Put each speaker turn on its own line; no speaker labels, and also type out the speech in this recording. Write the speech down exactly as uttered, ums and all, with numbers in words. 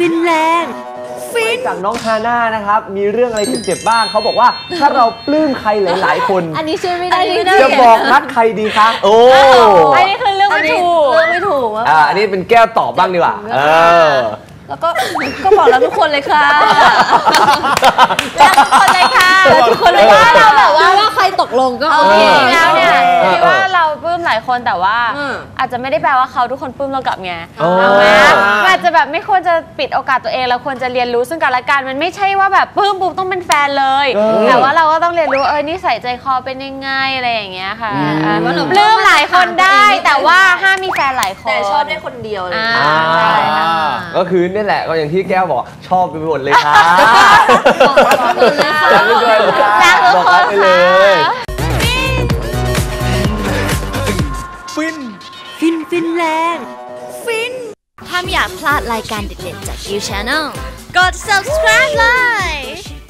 ฟินแลนด์ฟิน
จากน้องฮาน่านะครับมีเรื่องอะไรเจ็บๆบ้างเขาบอกว่าถ้าเราปลื้มใครหลายๆคน
อันนี้ช่วยไม่ได้
จะบอกรักใครดีคะโอ้
อันนี้คือเรื่องไม่ถูก
เรื่องไม่ถูก
อ่าอันนี้เป็นแก้วตอบบ้างดีกว่าเออ
แล้วก็ก็บอกแล้วทุกคนเลยค่ะ
รักทุกคนเลยค่ะ
ทุกคนเลยว่าเราแบบว่าว่าใครตกลงก็โอเค
แล้วเนี่ยคิดว่าเราปลื้มหลายคนแต่ว่าอาจจะไม่ได้แปลว่าเขาทุกคนปลื้มเรากลับไงมันอาจจะแบบไม่ควรจะปิดโอกาสตัวเองเราควรจะเรียนรู้ซึ่งกันและกันมันไม่ใช่ว่าแบบปลื้มปุ๊บต้องเป็นแฟนเลยแต่ว่าเราก็ต้องเรียนรู้เออนิสัยใจคอเป็นยังไงอะไรอย่างเงี้ยค่ะปลื้มหลายคนได้แต่ว่าห้ามมีแฟนหลายคน
แต่ชอบได้คนเดียวเลย
ก็คือนี่แหละก็อย่างที่แก้วบอกชอบไปหมดเลยค่ะ
บอกไปเลยค่ะ
บอกไปเลย
ฟินฟินฟินแลนด์ฟินถ้าไม่อยากพลาดรายการเด็ดๆจาก ยู Channel กด ซับสไครบ์ เลย